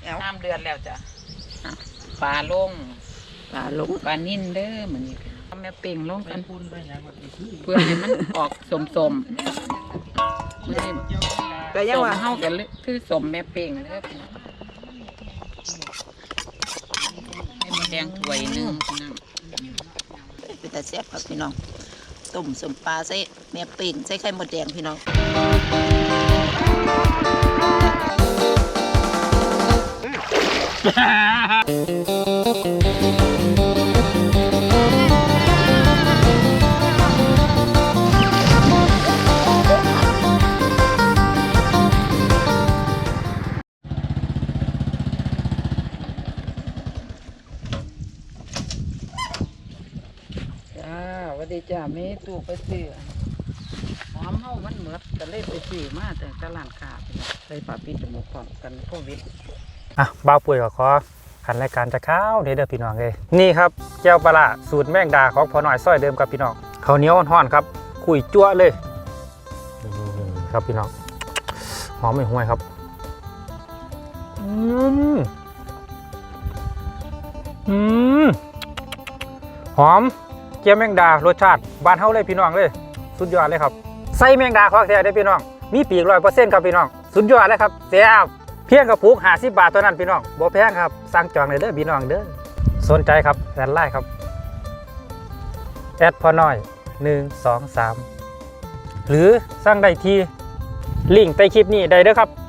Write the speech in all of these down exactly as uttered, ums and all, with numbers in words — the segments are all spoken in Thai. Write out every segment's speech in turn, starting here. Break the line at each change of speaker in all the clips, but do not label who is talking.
น้ำเดือดแล้วจ้ะปลาลง
ปลาลง
ปลานิ่นเด้อเหมือนนี้ทำแม่เป่งลงกันเพื่อให้มันออกสมสม
ก็ยังว่า
เฮากันคือสมแม่เป่งเด้อให้มันแดงถ้วยนึงนั่ง
เป็นแต่แซ่บครับพี่น้องต้มสมปลาใส่แม่เป่งใส่ไข่มดแดงพี่น้อง
สวัสดีจ้าแม่ตู้ไปซื้อหอมเฮามันเหมือดก็เลยไปซื้อมาแต่ตลาดขาดใส่ฝาปิดจมูกพร้อมกันโควิด
อ่ะบ่าวปุ๋ยก็ขอขันรายการจะข้าวเด้อเด้อพี่น้องเลยนี่ครับแก้วปลาสูตรแมงดาของพ่อหน่อยซ้อยเดิมครับพี่น้องข้าวเหนียวห่อนๆครับคุยจั่วเลยนี่ครับพี่น้องหอมไม่ห่วยครับอืมอืมหอมเจียวแมงดารสชาติบ้านเฮาเลยพี่น้องเลยสุดยอดเลยครับใส่แมงดาของแท้ได้พี่น้องมีปีกร้อยเปอร์เซ็นต์ครับพี่น้องสุดยอดเลยครับแซ่บเพียงกระปุกห้าสิบบาทเท่านั้นพี่น้องบ่แพงครับสั่งจองเลยเด้อพี่น้องเด้อสนใจครับแอดไลน์ครับแอดพอน้อยหนึ่งสองสามหรือสั่งได้ที่ลิงก์ใต้คลิปนี้ได้เด้อครับ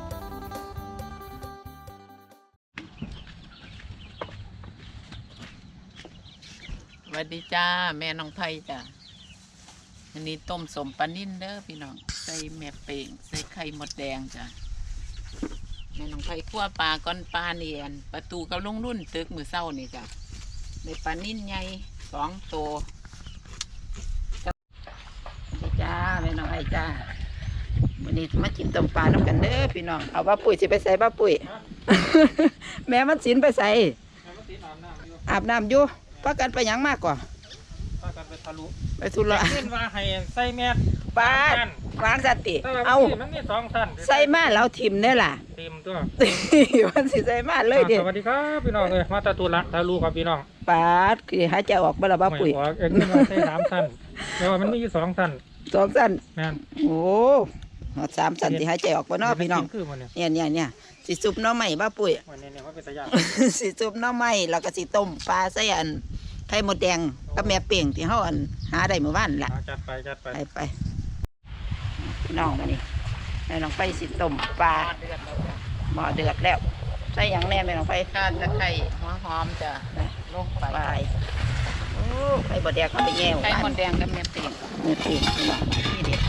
สวัสดีจ้าแม่น้องไผ่จ้ะอันนี้ต้มสมปลานิ่นเด้อพี่น้องใส่แม่เป่งใส่ไข่มดแดงจ้ะแม่น้องไผ่คั่วปลาก้อนปลาเนียนประตูกับลุงรุ่นตึกมือเศร้านี่จ้ะในปลานิ่นใหญ่สองตัวสวัสดีจ้าแม่น้องไผ่จ้าวันนี้มากินต้มปลาน้ำกันเด้อพี่น้องเอาบ้าปุ๋ยสิไปใส่บ้าปุ๋ย แม่มันสินไปใส่อาบน้ำอยู่พักกันไปยังมากกว่า
พักกันไปทะลุ
ไปทุระ
เช่นว่าให้ใส่แมส
ปลาวางสติเอา
มันมีสองท่าน
ใส่มาแล้วทิมเนี่ยล่ะ
ทิมตัว
มันสิใส่มาเลยเดี๋ยว
สวัสดีครับพี่น้องเลยมาตะตุละทะลุครับพี่น้อง
ปลาคือหายใจออกบ้าละบ้าปุ๋ย
ออกเองนี่มาใส่สามท่านแต่ว่ามันมีอยู่สองท่าน
สองท่าน
แม่น
โอ้สามท่านที่หายใจออกบ้านอกพี่น้องเนี่ยเนี่ยเนี่ยสิซุปน้ำใหม่บ้าปุ๋ยสิซุปน้ำใหม่แล้วก็สิต้มปลาใส่อันไข่มดแดงกับแม่เป่งที่เขาอันหาได้เมื่อวานล่ะ
จัดไปจัดไป
ไปไปพี่น้องมานี่แม่น้องไปสิต้มปลาหม้อเดือดแล้วใส่อย่างแน่แม่น้องไปข้าวตะไคร้หัวหอมจ้ะลงไปโอ้ไข่มดแดงเขาไปแย่ไข่มดแดงกับแม่เป่งแม่เป่งพี่น้องนี่เด็ด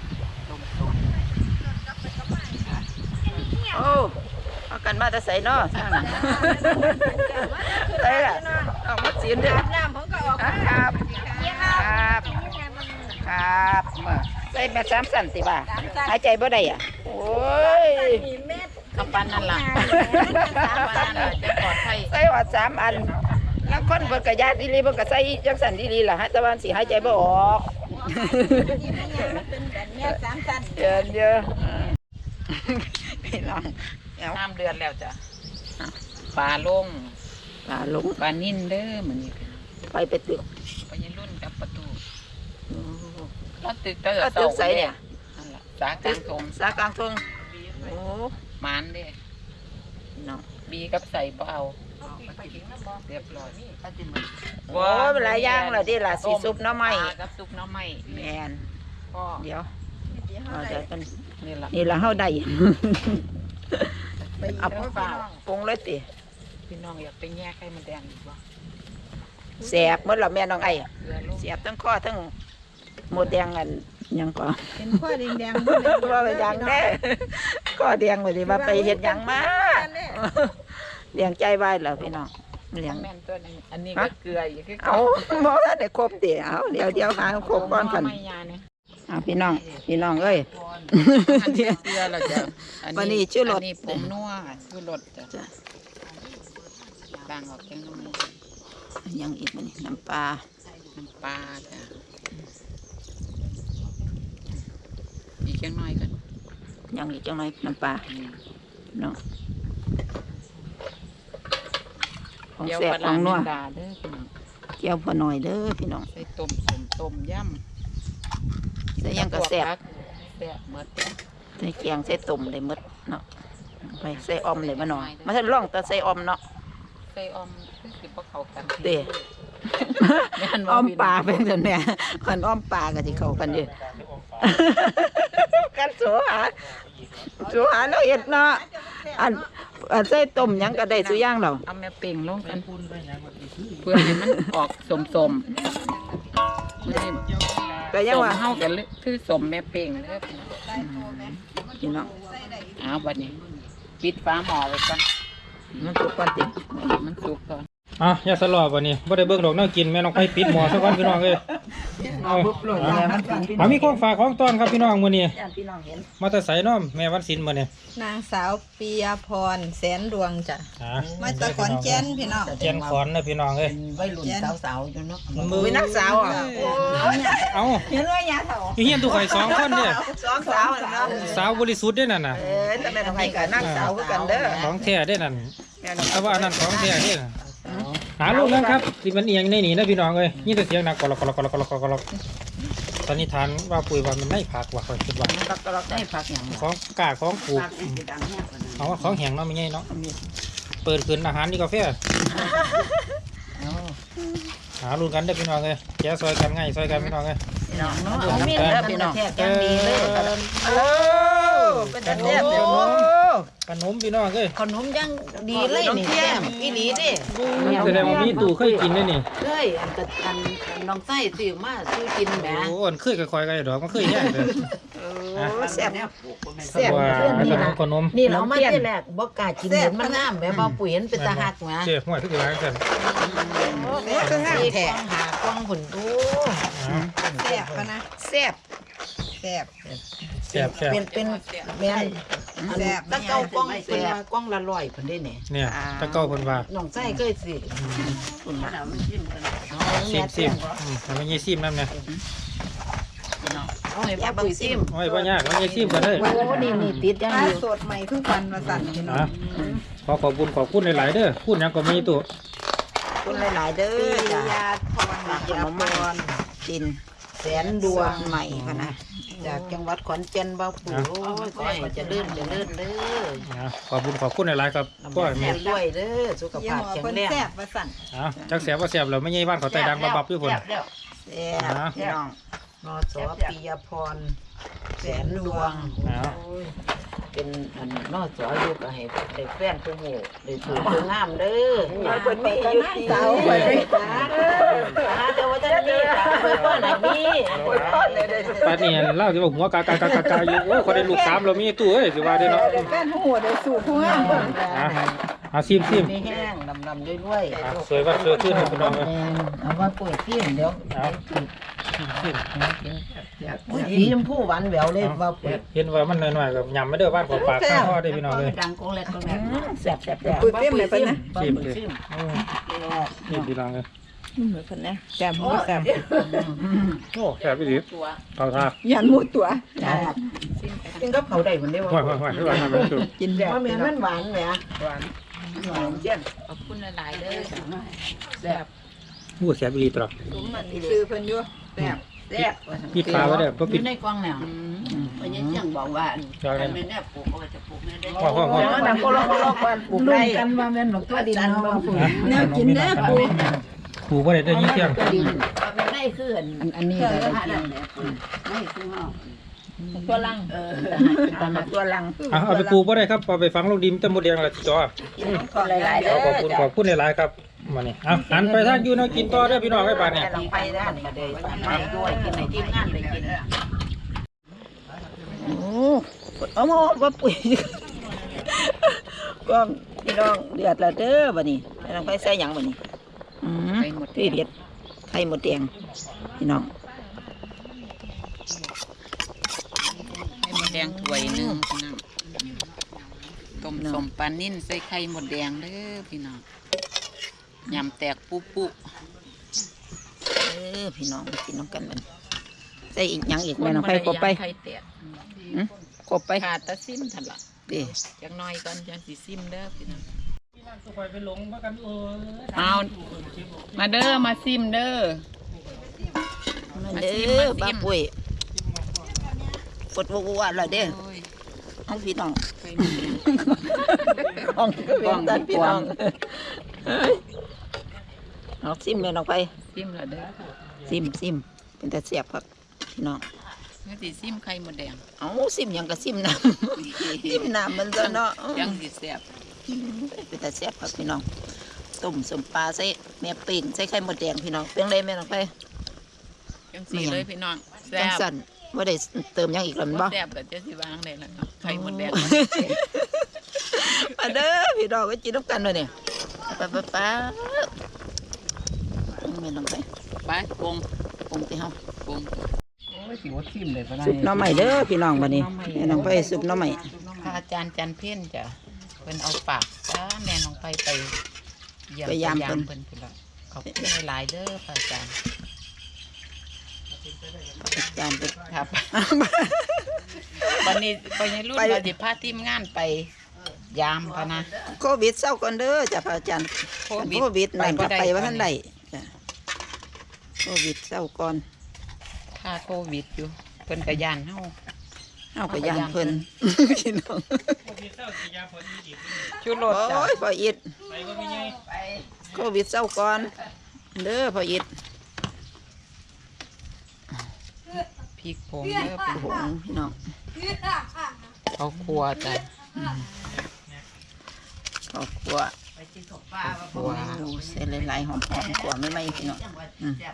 โอ้เอากันมาจะใส่นอสร้างใส่ละออกมาสีนเด้อน้ำผมก็ออกครับครับครับมาใส่แบบสามสันติบ่าหายใจบ่ได้อ่ะโอ้ยคำปันนั่นล่ะสามอันนั่นล่ะจะปลอดภัยใส่หัวสามอันแล้วคนเบิกกระยาดีลีเบิกกระใส่จังสันดีลีล่ะฮะตะวันสีหายใจบ่ออกเยอะเยอะพี่น้องน้ำเดือดแล้วจ้ะปลาลงปลาลงปลานิ่นเด้อเหมือนนี้ไปไปตึกไปยันรุ่นกับประตูก็ตึกเตอร์ตึกใสเนี่ยสากลางทงสากลางทงโอ้มันเด้น้องบีกับใส่เปล่าเรียบร้อยโอ้เป็นหลายอย่างเลยที่ละสีซุปน้ำไหม้กับซุปน้ำไหม้แมนเดี๋ยวเดี๋ยวกันนี่ละนี่ละเฮาได้เอาปลาปรุงเลยติพี่น้องอยากไปแง่ไข่มันแดงอีกบ่แสบเมื่อเราแม่น้องไอ้แสบทั้งข้อทั้งหมดแดงกันยังก่อ
เป็นข้อแดงแดง
ว่าไปยังแน่ข้อแดงเลยว่าไปเห็ดยังมาเลี้ยงใจไว้เหรอพี่น้องเลี้ยงแม่นตัวนี้อันนี้ก็เกลืออีกเอาบ่ได้ครบติเอาเดี๋ยวเดี๋ยวหาครบก่อนกันอ่าพี่น้องพี่น้องเอ้ยเชื่อเราจะวันนี้ชื่อรถนี่ผมนัวชื่อรถจ้ะบางออกจังน้ำยังอีกมันน้ำปลาน้ำปลาจ้ะอีกจังน้อยกันยังอีกจังน้อยน้ำปลาเนาะ
ของ
เดี๋ยว
แซ่บ
ปลา
ของนัว
แมงดาเด้อพี่น้อง
เกี่ยวพอหน่อยเด้อพี่น้อง
ใส่ต้มสมต้มยำ
ใส่หยังก็แซ่บ
แซ่บหมด
ใส่แกงใส่ต้มได้หมดเนาะไปใส่ออมเลยมาหน่อยมาท่านร่องแต่ใส่ออมเนาะ
ใส่ออมคือสิบ่เข้ากัน
เด้
แม่นบ่
อ้อม
พี่
ป
น้
ลา
อง
เป็นจังแม่คันอ้อมปลาก็สิเข้ากันอยู่ กันโสหาโสหาแล้วเฮ็ดเนาะอันอันใส่ต้มหยังก็ได้สุอย่างแล้ว
เอาแม่เป่งลงกันเพื่อให้มันออกสมๆนี่
ก็ยังว่า
สมเฮากันเลยคือสมแม่เป่งเด้อพี่น้อง
พี่น้อง
เอาบัดนี้ ปิดฟ้าหม้อไว้ก่อน
มันสุกก่อนติ
มันสุกก่อน
อ่ะอย่าสลอบวันนี้บ่ได้เบิ่งดอกแนวกินแม่น้องไผปิดหม้อซะก่อนพี่น้องเอ้ยเอา
แล้วมันเป็นพี่น้
เอา
อง
มีของฝากของต้อนครับพี่น้องมื้อนี้
ญาติพี่น้องเห็น
มาแต่ไสเนาะแม่วันศิลป์มื้อนี้
นางสาวปียพรแสนดวงจ้ะ
อ่ะ
มาจากขอนแก่นพี่น้อง
แก่นขอนนะพี่น้องเอ้ย
วัยรุ่นสาวๆอยู่เนาะ
มือ
เป็นนักสาวอ่ะ
เอา
เห็นว่ายาเฒ่า
อยู่เฮียนตุข่อยสองคนเด้อ
สองสาวน่ะเนาะ
สาวบริสุทธิ์เด้อนั่นน่ะ
เออแต่แม่ต้องให้กับนักสาวคือกันเด้อ
ของแท้เด้อนั่น
แม่น้อง
แต่ว่าอันนั้นของแท้เด้อหาลูกนั้นครับที่มันเอียงในนี่นะพี่น้องเอ้ยนี่แต่เสียงหนักกรอกกรอกกรอกกรอกกรอกตอนนี้ทานว่าปุ๋ยว่ามันไม่ผักว่าค่อยคิดว่า
ตักตลอดได้พักหยัง
ของกล้าของปลูกเอาว่าของแห้งเนาะไม่ใช่เนาะเปิดขึ้นอาหารนี่กาแฟหาลูกกันได้อพี่น้องเอ้ยแกะซอยกันง่ายซอยกันพี่น้องเอ้ย
พี่น้องเนาะเอามีดเด้อพี่น้องแท้ดีเลยโอ้เป็นจังแซ่บเด้อโอ้
ขนมพี่น้องเอ้ย
ขนมยังดีเลยนี่แซ่บอีหลีเด้
แสดงว่ามีตู่เคยกินได้นี่
เคยอันกะอันอันน้องไส้ซื้อมาซื้อกินแหม
โอ้อันเคยกับคอยกันดอกมันเคยแย่เลย
โอ้แซ่บแซ่บ
ว่า
เพื่อน
ข
นี่
น
นะ
มขนม
นี่เรามาที่แรกบ่กล้ากินเห็นมันงามแหม่บ่ปุ๋ยเห็นเป็นตาหักแหม
เจ๊ห่วยทุกอย่างกัน
คืองามแท้
หากล้องผุนดู
แซ่บปะนะ
แซ่บ
แซ่บ
แซ่บแซ่บ
เป็นเป็นแม่น
แซ่บ
ตะเกากล้องเป็นว่ากล้องละร้อยเพิ่นได้เนี่ย
เนี่ยตะเก้าคนว่า
น้องไส้เคยสิคุณน่ะ
ซิมซิมอืมมันยี่ซิมนั่นเนี่ย
เอาให้ป้าปุ๋ยซิม
โอ้ยพ่อยากมันยี่ซิมกันเลย
โอ้นี่นี่ติดยัง
ปลา
อยู่
สดใหม่คือฟันมาสั่นพี่น้อง
อ่ะขอขอบคุณขอบคุณหลายๆเด้อพูดยังก็มีตัว
คุณหลายๆเด้
ปี
อจ้ะ
ยาพร
ขนมมันจินแสนดวงใหม่พะนะจากจังหวัดขอนแก่นบ่ปุ๋ยโอ้ยขอให้เจะเลื่อนจะเลื่อนเด้อ
อ่ะขอบคุณขอบคุณหลายๆครับ
ลำ
พ่
บา
อก
แม่
แม่
ด้วยเด้อสุข
ยี่
ภาพ
ห้อ
แข็ง
คน
แรง
แซ่บมาสั่น
อ่ะจักเสียบว่าเสียบเราไม่ใช่บ้านเขาใต้ดังบับบับอยู่คน
แซ่บพี่น้องนอสอปียพรแสนดวง
อ่ะ
เป็นอันนอสออยู่ก็ให้ได้แฟนผู้หมู่ได้ถูกผู้งามเด้อเพิ่นมีอยู่ที่เสาเพิ่นมีจ้าหาแต่ว่าท่านมีเพิ่นบ่น่ะมีเพิ่นบ่ได้ได้
ป้านี่เล่าที่ว่าหัวกากากากากาอยู่โอ้คนได้ลูกสามเรามีตู้เอ้ยสิว่าได้เนาะ
แฟนผู้หัวได้สูบผู้งามเพิ่น
อ่ะอ่ะซิมซิม
มีแห้งลำๆด้วยๆ
อ่ะสวยว่าสวยขึ้นนะพี่น้องเอ้ย
เอาว่าปุ๋ยซิมเดี๋ยว
เอาซิมซิม
อุ้ยสีชมพูหวานแหววเลยว่าปุ๋ย
เห็นว่ามันหน่อยๆกับยำไม่เด้อบ้านของปากข้างพ่อได้อพี่น้องเลย
ดังกงแลกกงแลกแซ่บแซ่บ
ปุ๋ยเปรี้ยวไหมเพิ่นนะ
ซิมเลยอืมนี่พี่น้องเลย
เหมือนเพิ่นนะแซ่บบ่แซ่บ
โอ้แซ่บพี่ดิเอาท่า
ยันหมูตัว
จ้ากินกับเขาได้คนเดียว
ห่วยห่วยห่วยห่วยทำเป็นสุด
กินแบบ
ว่าแม่นมันหวานแหม
หวาน
หวานเจียน
ขอบคุณหลายๆเด้อ
แซ่บ
พูดแซ่บอีหลีตลอด
สมมันซื้อเพิ่นอยู่แซ่บ
แซ่บ
ปิดฟ้าไว้เด้อบ่
อ
ปิด
ยู่ในกล่องแนววันนี้เจียงบอกว่า
จอยเลย
แม่เนี่ยปลูกเอาไว้จะปลูกเนี่ยได้
ห่วยห่วยห่วย
แล้วนำก็ลอกก็ลอกกันปลูกได้กันว่าแม่นบอกตัวดินเนาะปลูก
แนวกินเด้อปุ๋ย
ผูบ่ได้ได้ยินเสียง
ดินว่าแม่ได้คืออัน
อันนี้ก็ได้กิน
ไม่คือเฮา
ตัวลัง
เออตอนตัวลัง
อ่ะเอาไปปลูกบ่ได้ครับเอาไปฝังลงดินตะมดแดงละจอ
ก็หลายๆเด้อ
ขอบคุณขอบคุณหลายๆครับมานี่เอาหันไปทางอยู่เนาะกินต่อเด้อพี่น้องไว้บาดเนี่ย
ลงไปด้านก็ได้ไปด้วยกินในทีมงานไปกินโอ้เอามาว่าปุ๋ยก็พี่น้องเดือดแล้วเด้อบัดนี้ลองไปใส่หยังบัดนี้อืม
ไข่หมดแด
พี่
ง
เด็ดไข่หมดแดงพี่น้อง
ไข่หมดแดงถ้วยหนึงพี่น้องต้มสมปลานิ่นใส่ไข่หมดแดงเด้อพี่น้องยำแตกปุ๊ปุ๊
เออพี่น้องมากินน้ำกันมันใส่อีกหยังอีกแม่น้องไข่กบไป
ไข่แตก
หืมกบไป
ขาดแตะซิมทันละ
เด้
จักหน้อยก่อนจังสิซิมเด้อพี่น้องเอามาเด้อมาซิมเด้อ
มาเด้อบ้าปุ้ยกดวัวๆแล้วเด้อเอาพี่น้องน้องก็เป็นตันพี่น้องเอาซิมแม่น้องไป
ซิมละเด้อ
ซิมซิมเป็นแต่เสียบครับพี่น้อง
นี่สิซิมไข่มดแดง
เอาซิมหยังก็ซิมน้ำ ซิมน้ำมันซะเนาะ
ยังสิแซ่บ
เป็นแต่เสียบครับพี่น้องต้มสมปลาใส่แม่ปิ่งใส่ไข่มดแดงพี่น้องเพียงไรแม่น้องไป
จังสีเลยพี่น้องแซ่
จัง
บ
สั่นว่าได้เติมหยังอีกแล้วแมันบ่
แซ่บแบบจะสิวางได้แล้วเนาะไข่มดแดง
มาเด้อพี่น้องก็กินน้ำกันเลยเนี่ยไปไปไปแม่น้องไป
ไปปรุง
ปรุงที่เฮา
ปรุง
ซุปหน้ำใหม่เด้อพี่น้องบัดนี้แม่น้องไปซุปหน้ำใหม่
พระอาจารย์จันเพี้ยนจ้ะเพิ่นเอาฝากจ้าแม่น้องไปไปเยี่ยม
ไปยาม
เพิ่
เพิ่
น
น
เพิ่นละขอบคุณหลายๆเด้อพระอาจารย์
จานไป
ครับ วันนี้ไปในรุ่น
ไป
เราสิพาทีมงานไปยามพะนะ
โควิดเศร้าก่อนเด้อจ้ะพระอาจารย์
โควิด
โควิดนั่น
ไปบ่
ก็
ได้
ไปว่าท่านใดจ้ะโควิดเศร้าก่อน
ค่าโควิดอยู่เพิ่นกระยานเฮา
เฮาก็ย่านเพิ่นพี่น้อง
ชูรสจ้ะ
โอ้ยพ่ออิดโควิดเศร้าก่อนเด้อพ่ออิด
พริกผงเด้อเป็น
โอ้โหพี่น้อง
เขาครัวจ้ะ
ข้าวคั่ว
ครัว
ดูเส้นหลายๆหอมๆขัวไม่ไหม้พี่น้องอืม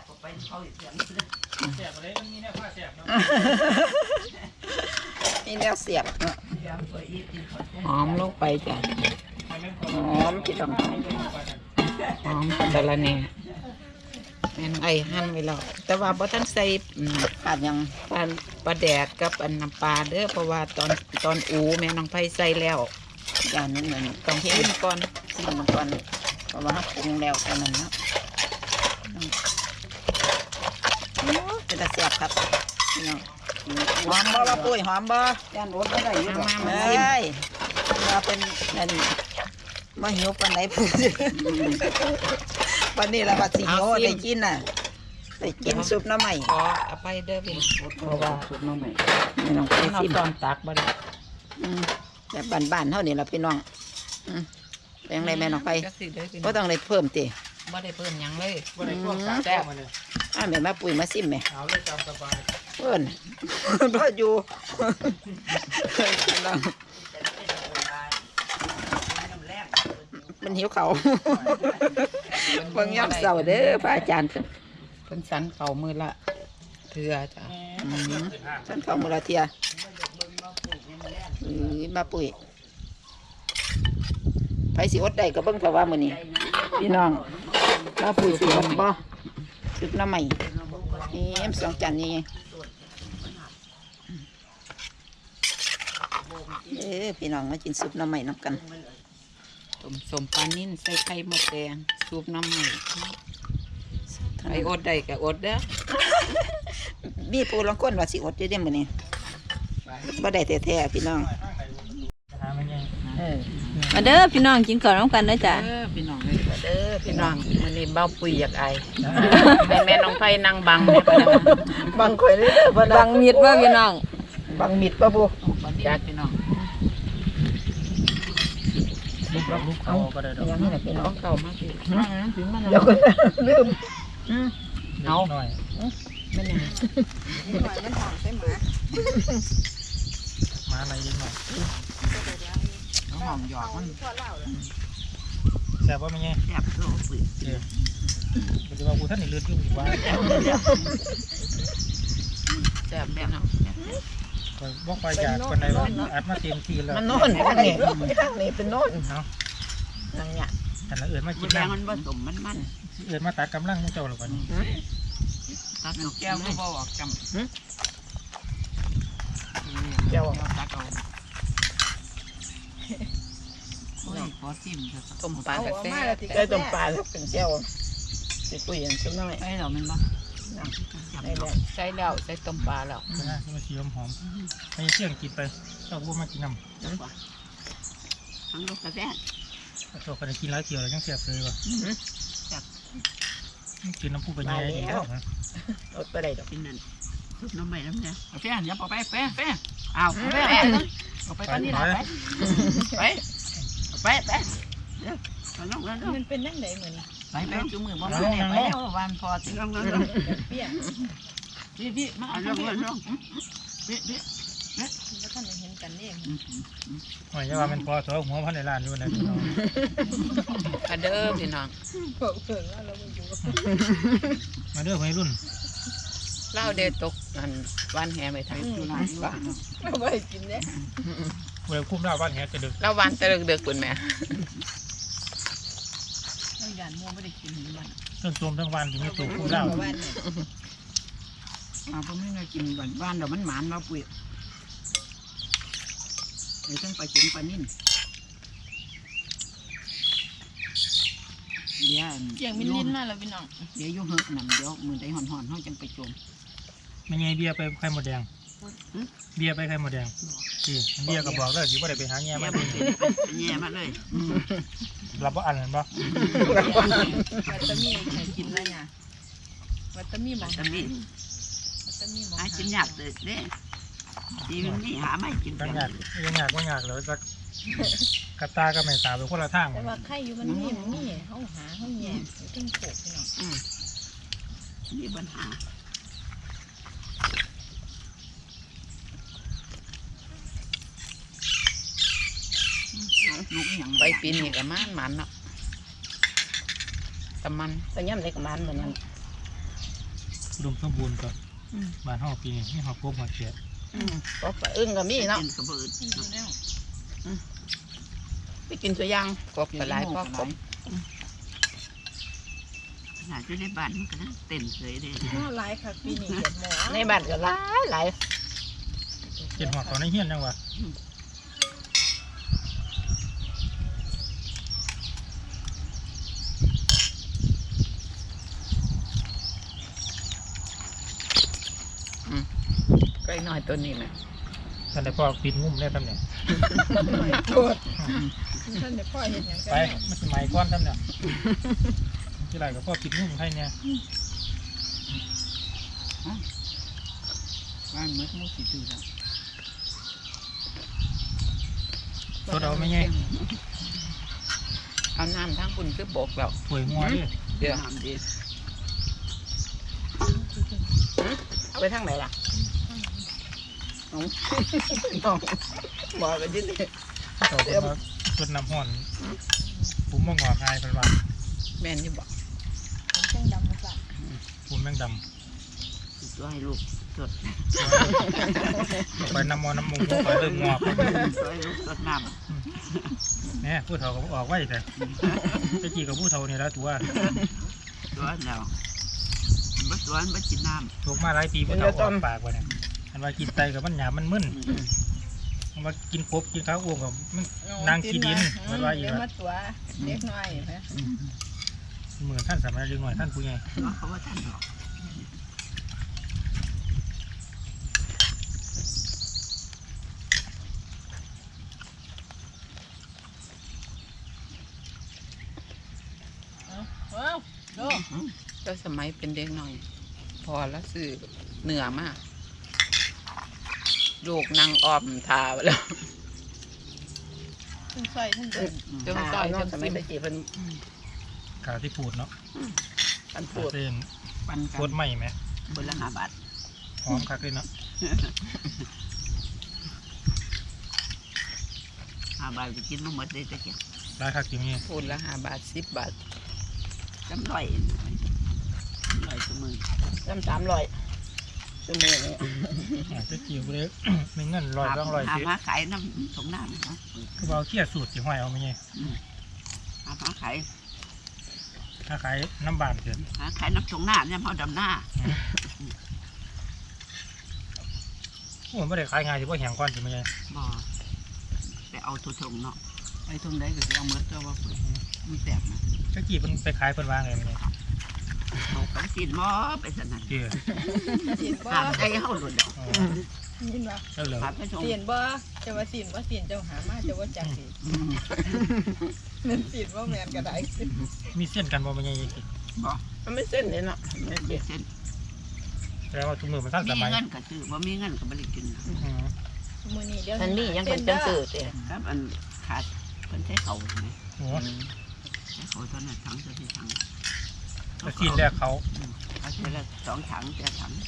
นี่แนวเสียบเนาะ
หอมลงไปจ้ะ
หอมพี่น้อง
หอมสะระแหน่แม่นไอ้หั่นไว้แล้วแต่ว่าบ่ทันใส่อืม
ขาดยัง
ปลาปลาแดดกับอันน้ำปลาเด้อเพราะว่าตอนตอนอูแม่น้องไผใส่แล้ว
จานนั้นเหมือน
ต้อง
เค็
ชิ
ม
มก่อน
ซิมมันก่อนเพราะว่าเราปรุงแล้วเท่านั้นเนาะโอ้ยเป็นตาเสียบครับพี่น้องหอมบ่ละปุ้ยหอมบ่ย่านรสบ่ได้อยู่ดอก
มามา
เอ้ยมาเป็นนั่นมาหิวปานไหนพูดวันนี้ละว่าสิหิวได้กินน่ะได้กินซุปหน้ำใหม่
ขออภัยเด้อพี่น้องเพราะว่า
ไม่ต้องไป
เอา
ซิม
ตอนตักบ่ได้
อืมแบบบ้านๆเท่านี้ละพี่น้องอืมไปยังไงแม่น้องไป
จักสิเด้อพี่น้
ก็
อง
ต้องได้เพิ่มติ
บ่ได้เพิ่มหยังเลย
แซ่บอ่าแม่มาปุ๋ยมาซิมแม่
เอาเลยตามสบาย
เพิ่น พออยู่พี่น้องมันหิวเขาวบางย่ำเสาเด้อพระอาจารย์
เพิ่นสันเขามือละเทื่อจ้ะ
อืมฉันเข้ามาละเทียอือมาปุ๋ยไผสิอดได้ก็เบิ่งเพราะว่ามื้อนี้พี่น้องมาปุ๋ยสิอดบ่ซุปน้ำใหม่นี่เอ็มสองจานนี้เอ้อพี่น้องมากินซุปน้ำใหม่น้ำกัน
ต้มสมปลานิ่นใส่ไข่มดแดงซุปน้ำมันไอ้อดได้ก็อดเด้อ
มีปูลังก้นว่าสิอดอยู่เด้มื้อนี้บ่ได้แท้ๆพี่น้อง
หามันยัง
เออ
มาเด้อพี่น้องกินข้าวน้ำกันนะจ๊ะ
เด้อพี่น้องเอ้ยเด้อพี่น้องมื้อนี้เบ้าปุ๋ยอยากไอให้แม่น้องไผนั่งบังแม่ปะนะ
บางข่อยเลยเด้อบ่
บังมีดว่าพี่น้อง
บางมิดบ่บู
จัดพี่น้อง
ลูกเขาก็ได้ดอก
ยังนี่แหละพี่น้
ต้
อ
อง งเข้ามาสิถึงมัน
เดี๋ยวก่อนนะลืม
เอา
หน่อย
แม่นยัง
มันหอมใช่ไหม
มาอะไรนิดหน่อย
เอาหอมหยอกมัน
แซ่บว่ามันยัง
แซ่บโลปุ๋ย
เดี๋ยวมันจะว่ากูท่านนี่เลือดยุ่งอยู่ว่า
แซ่บพี่น้อง
บอกไปจากคนใดว่าอัดมาเต็มทีแล้ว
มันโน่นข้างนี้ข้างนี้เป็นโน่น
เอา
นั่นเนี่ย
แต่ละเอื่นมากิน
แดง
น้ำ
มันผสมมันมัน
เอื่นมาตัดกำลังมุเจ้าหรอวะนี่
ตักแก้วก็บ่ออกจำ
เจ้า
เราตักเอาโอ้ยขอซิมเถอะต้มปลากระแซ่บ
ได้ต้มปลาแล้วเป็นเจ้าสิปุ๋ยอันซุปน้อย
ใช่เรามันบ่
นั่งได้แล้ว
ใช่แล้วใส่ต้มปลาแล้ว
นะที่มาชีหอมให้เชี่ยงกินไปเจ้าบัวมากินน้ำ
ทั้งลูกกระแซ่บ
โตคนกินหลายเที่ยวแล้วยังเสียบเลยว่ะกินน้ำผู้ไปแย่ดีแล้วนะ
อดไปได้ดอก
กินนั่นซุปน้ำใบน้ำเนี่ยแฟนอย่าเอาไปแฟนแฟนเอาแฟนเอาไปตอนนี้นะไปไปไปไปเดี๋ยวเอาลงแล้ว
มันเป็นนั่งไหนเหมือน
ไปไปจุ่มมือบ่มาเนี่ยไปแล้ววันพอสิลงลงลง
เปี้ย
พี่พี่มาลงลงลงพี่พี่
แล้วท่านเห็นกันนี่
หอยจะว่ามันพอตัวหัวพันในร้านอยู่นะพี่น้อง
มาเด้อพี่น้อง
เพิ่งเพิ่งว่าเราไปอยู่
มาเด้อวัยรุ่น
เล่าเดตกอันวันแห่ไปทางอยู่ร้านบ้าน
เราไปกินเนี่ย
เวลคุ้มแล้วบ้านแหจะดึก
เล่าวันตะลึกเดือกคุณแม่
เราหยาดมัวไม่ได้กินหรือมัน
ต้นตูมทั้งวันที่มีตัวคุ้มแล้ว
บ้านเนี่ย
มาผมไม่ได้กินบ้านบ้านเดี๋ยวมันหมานเราปุ๋ยเดี๋ยวต้องไปกินปลานิ่นเดี๋ยว
เจียงมินลินมาแล้วพี่น้อง
เดี๋ยวยุ่งเหอะนั่นเดี๋ยวมือได้ห่อนห่อนๆเขาจังไปโจม
ไม่ไงเบียร์ไปไข่หมดแดงเบียร์ไปไข่หมดแดงสิเบียร์ก็บอกแล้วสิว่าได้ไปหาแง่มา
แย่มาเลย
รับว่าอันนั้นปะ
วัตมีใครกินแล้วเนี่ยวัตมีมอง
จะมี
วัตมีมอง
หากินยากเด็ดเด้ทีมันนี่หาไม่กิน
ยังอยากยังอยากว่าอยากเลยจะกระตาก็ไม่ตาไปคนละทาง
แต่ว่าไข่อยู่มันมีมันมีเขาหาเขาแย่ตึ้งโขกพี่น้อง
มีปัญหาลูกอย่างไปปีนี้กับมันมันเนาะแต่มัน
แต่ย่ำในกระมันเหมือนกัน
รวมสมบูรณ์ก่อนบ้านห้องปีนี้นี่ห้องพบหัวเฉียด
ก็ปลาอึ้งก็มีเนาะ
กินกระเบิด
อยู่แล้ว
ไปกินตัวย่าง
กบกระไรพ่อผมขนาดที่ในบ้านมันก็นั่งเต้นเลยเด้
ข้าวลายค่ะปีนี้เห็ดหมอ
ในบ้านก็หลายหลาย
เจ็ดหัวเขาในเฮียนจังวะ
ใกล้น้อยตัวนี้ไหม
ท่านได้พ่อปิดงุ้มได้ทำเนี่ย
โทษท่านเดี๋ยวพ่อเห็นอย่างกัน
ไปมันสมัยก้อนทำเนี่ยที่ไรกับพ่อปิดงุ้มให้เนี่ย
บ้านมืดมุดสีดื้อแล้ว
ตัวเราไม่ไง
เอาน้ำทั้งคุณคือบกแล้ว
ป่วยงัวดิ
เดี๋ยวน้ำดี
เอาไปทางไหนล่ะน้องน้องบอกกันยิ่งเลย
ต่อไปมาจุดน้ำห่อนผมมองหัวคายเป็นว่า
แม่นอยู่บอก
แจ้งดำมาสั่ง
ผมแมงด
ตัวให้ลูกสด
ำไปน้ำมอน้ำมูกไปเริ่มงอก
ตัวให้ลูกสดน้
เนี่ยผู้เฒ่าก็ออกไว้แต่ไปจีกับผู้เฒ่านี่แล้วถือว่า
ำตัวแล้วบัดตัวบัดกินน้
ถูกมาหลายปีผู้เฒ่าออกปากไว้เนี่ยอันว่ากินไตกับมันหยามันมึนอันว่ากินกบกินข้าวอ้วกกับมันนางขี้ดินมันว่าอีก
เดี๋ยว
ว่า
มาตัวเล็กน้อยนะ
เหมือนท่านสมัยเรียนหน่อยท่านผู้ใหญ่
ำเขาว่าท่านหรอก
ว้าวดู
เจ้าสมัยเป็นเด็กหน่อย พอแล้วซื้อเหนือมากลูกนางออมทาไปแล้ว
ทั้งซอยทั้งเดิน
เจ้า
ต่
ต้
อ
อย ย
น้อ
เจ้าง
ส
ส
มั
มั
ย
ย
ตะกี้เพิ่น
กาที่พูดเนาะ
อัน
กา
พูด
เส้น
ปันกั
โคตรไหมไหม
บนละห้าบาท
หอมคักเลยเนาะ
ห้าบาทไปกินมาหมดเลยตะเกียบ
ร้ายคักจริงนี่
พูดละห้าบาทสิบบาทจำร้อยร้อยสมือ
น้ำสามร้อยชั่วโมงนี้
จะจิ๋วเลยไม่เงินลอยต้องลอย
หา
สิ
มาขายน้ำสงน้ำนะ
คือเอาเขี้ยสูตรสิห้อยเอาไม่ไง
หามาขาย
ถ้าขายน้ำบานเกิน
หาขายน้ำสงน้ำเนี่ยเขาดำหน้า
โอ้ไม่ได้ขายง่ายที่ว่าแหงก้อนสิไม่ไง
บ่ไปเอาทุทงเนาะไอ้ทุงได้ก็จะเอาเมื่อเจ้าว่าเปิดมันแตกนะ
จะจีบมันไปขายคนวางเลยไม่ไง
เอาของกินหม้อไปสนั่น
เตี้ย
สินบ่
ตามใจเฮาหลุด
อ๋อ
ยินบ่
แล้วเหรอ
ถามไปชม
สินบ่จะว่าสินว่าสินเจ้าหามาจะว่าจักสิมันสินว่าแม่นก็ได้
มีเส้นกันบ่มันยังกิน
มันไม่เส้นเลยเนาะไม่เส้น
แสดงว่าทุกมือมันทันส
มี
มัย
เงินก็ซื้อบ่มีเงินก็บ่ได้กิน
อืม
มื้อนี้เดี๋ยว
มันมียังเป็นจังซื้อเด้ครับอันขาดเพิ่นใช้เขาใช่ไหม
โอ้
ใช้เขาเท่านั้นถังเท่าที่ถัง
แต่ซีนแรกเขา
เอาทีละสองถังแต่ถัง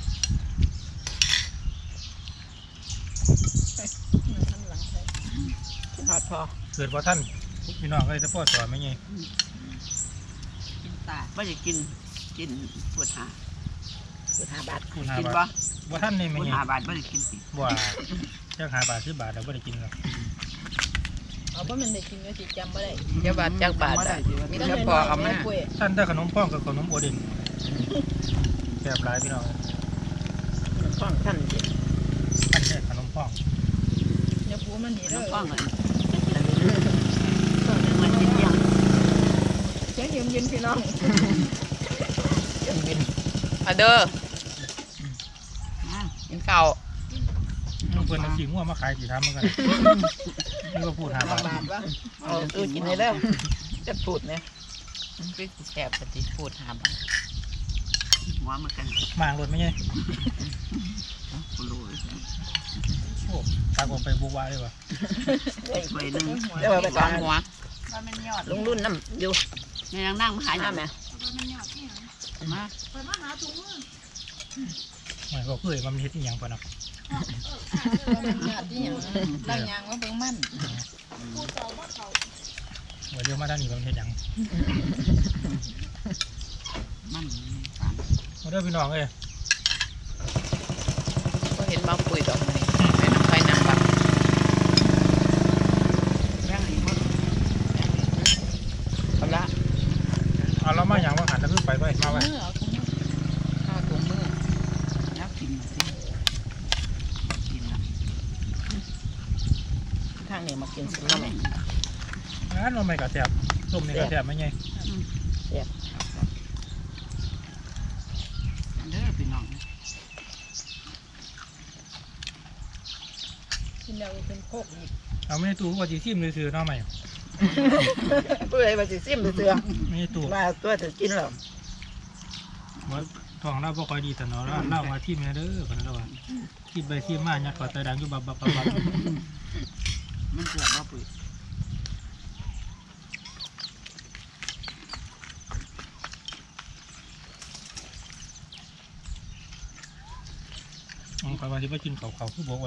ทำหลังใส่
ทอดพอ
เกิดว่าท่านพี่น้องก็เลยจะพ่อสอนไม่ไง
กินตาบ่ได้กินกินปวดหาปวดหาบาท
พูดหา
กิน
บา
บ่
ทว่าท่านนี่
ป
ไม่
วด
ไง
หาบาทบ่ได้กินสิ
ว่าจ้างหาบาทซื้อบาทแล้วไม่ได้กินหรอก
เอาเพราะมันได้กินก็สิจำบ่ได้
เจ้าบาทจักบาทอ่ะมีแต่พอเอามา
ท่านได้ขนมป้องกับขนมโอเดนแซ่บหลายพี่น้อง
ป้องท่านสิ
ท่านได้ขนมป้อง
อย่าปูมันนี่
น้
เด้
อง
อ
ป้องกันมันกินยัง
เสียงเย็นๆพี่น้อง
ยังบิน
มาเด้อ
นะ
กินข้าว
ลูกเพื่อนเอาสีม่วงมาขายสีทำเหมือนกันนี่ก็พูดหาบาท
บาทวะ
เอาเออกินได้แล้วจะพูดเนี่ย
พี่แซ่บปฏิพูดหาบาท
หัวมันกัน
มางรถไม่ไง
กูรู้
โอ้ตากออกไปบุกวาเลยวะ
ไปหนึ่ง
เดี๋ยวไปสองหัว
ลุงรุ่นน้ำอยู่ในนั่งนั่งมาหาหน้าแม่
มา
ไม่ก็เพื่อมันเฮ็ดอหย่างปะเนาะ
มันญาติหยังตั้งยางว่าเบิ่งมัน
ว่าเดี๋ยวมาทางนี้มันเฮ็ดหยัง
มัน
มาเด้อพี่น้องเอ้ย
ก็เห็นมาคุยดอกนี่ไปน้ำไปน้ำบัก
แม่งอีกมั้ง
เอาละ
เอาเรามาอย่างว่าหันตะลึกไปไปมาไว้
เมื่อเอาถุงมือ
ข้าวถุงมือ
แล้วกินมาสิกินละทางนี้มากินสิน้ำแม่
งั้นเราไม่กระแทบส้มนี่กระแทบไม่ไง
เด้อพี่น้อง
กินแล้วเป็นโคกอีก
เอาไม่ได้ตู้ว่าจีซิมเลยซื้อๆเนาะใหม่
เพื่อให้มาสิซิมเสือ
ไม่ได้ตู้
มาตัวถึงกินแล้ว
ว่าท้องเราบ่ค่อยดีแต่เนาะเราเล่าว่าที่แม่เด้อกันแล้วว่าที่ไปที่มายัดขอดตาดังอยู่บับบับบับบับ
มันเสือบ่ปุ๋ย
อืมขอยว่าที่ไปกินเขาเขาคือบอกว่า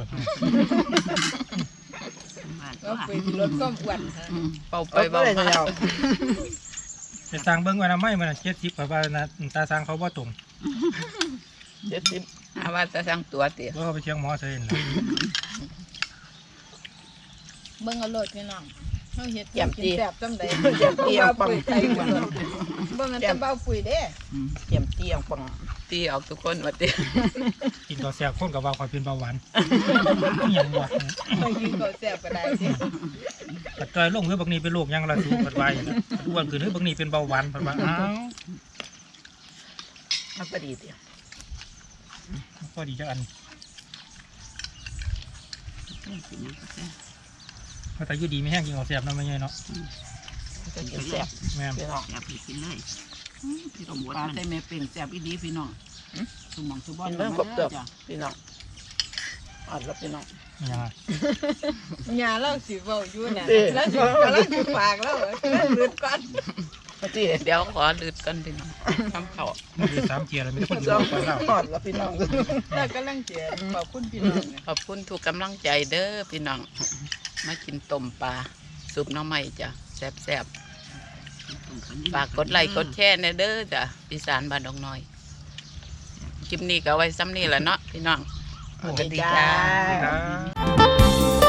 ก็ไปลดความอ้วน
เป่าไปเบามา
จะสั่งเบิ้งว่าน้ำไม่มันเจ็ดสิบขอยว่านะตาสั่งเขาบ่ตรง
เจ็ดสิบ
หาว่าจะสั่งตัวเตี๋ย
ว่าเขาไปเชียงหมอเสียนล่ะ
เบิ่งเอาโลดพี่น้องเฮาเฮ็ดกินแซ่บจังได๋
เจ็ดเตียงปัง
ไทยกว่าเบิ่งอันตะเบาปุ๋ยเด้
เจียมเตียงปัง
ตีออกทุกคนว่าเตี๋ย
กินข้าวแซ่บคนกับว่าคอยเป็นเบาหวานอิหยังวะ
ไปกินข้าวแซ่บก็ได้สิ
ปัดจอยลงเฮ้ยบักนี้เป็นโรคหยังละสูปัดไว้อ้วนขึ้นเฮ้ยบักนี้เป็นเบาหวานปัดว่าอ้าว
มันก็ดีเตียง
ก็ดีจังอันเพราะแต่อยู่ดีไม่แห้งกินข้าวแซ่บเนาะไม่ใช่เนาะ
ก็กินแซ่บ
แม่น
พี่น้องแซ่บกินเลยพี่ต้องบดมันได้แม่เป็นแซ่บอีดีพี่น้องสมองสมบัติเรื่องครบตัวพี่น้องอ่อนแล้วพี่น้อง
อิหยังอะ
ยาเราสิเว้าอยู่น่ะแล้วสิกำลังสิฝากแล้วลืดก่อน
ที่
เดี๋ยวขอลืดกันพี่น้องทำข้าว
มันคือสามเทียร์เลยไม่ได้คนอยู่
เรา
ไปแล้ว
อ่อนแล้วพี่น้อง
แล้วกำลังเจียขอบคุณพี่น้อง
ขอบคุณทุกกำลังใจเด้อพี่น้องมากินต้มปลาซุปหน้ำใหม่จ้ะแซ่บๆฝากกดไลค์กดแชร์ในเด้อจ้ะพี่สารบ้านดงน้อยคลิปนี้ก็เอาไว้ซ้ำนี่แหละเนาะพี่น้องสวัสดีจ้า
ครับ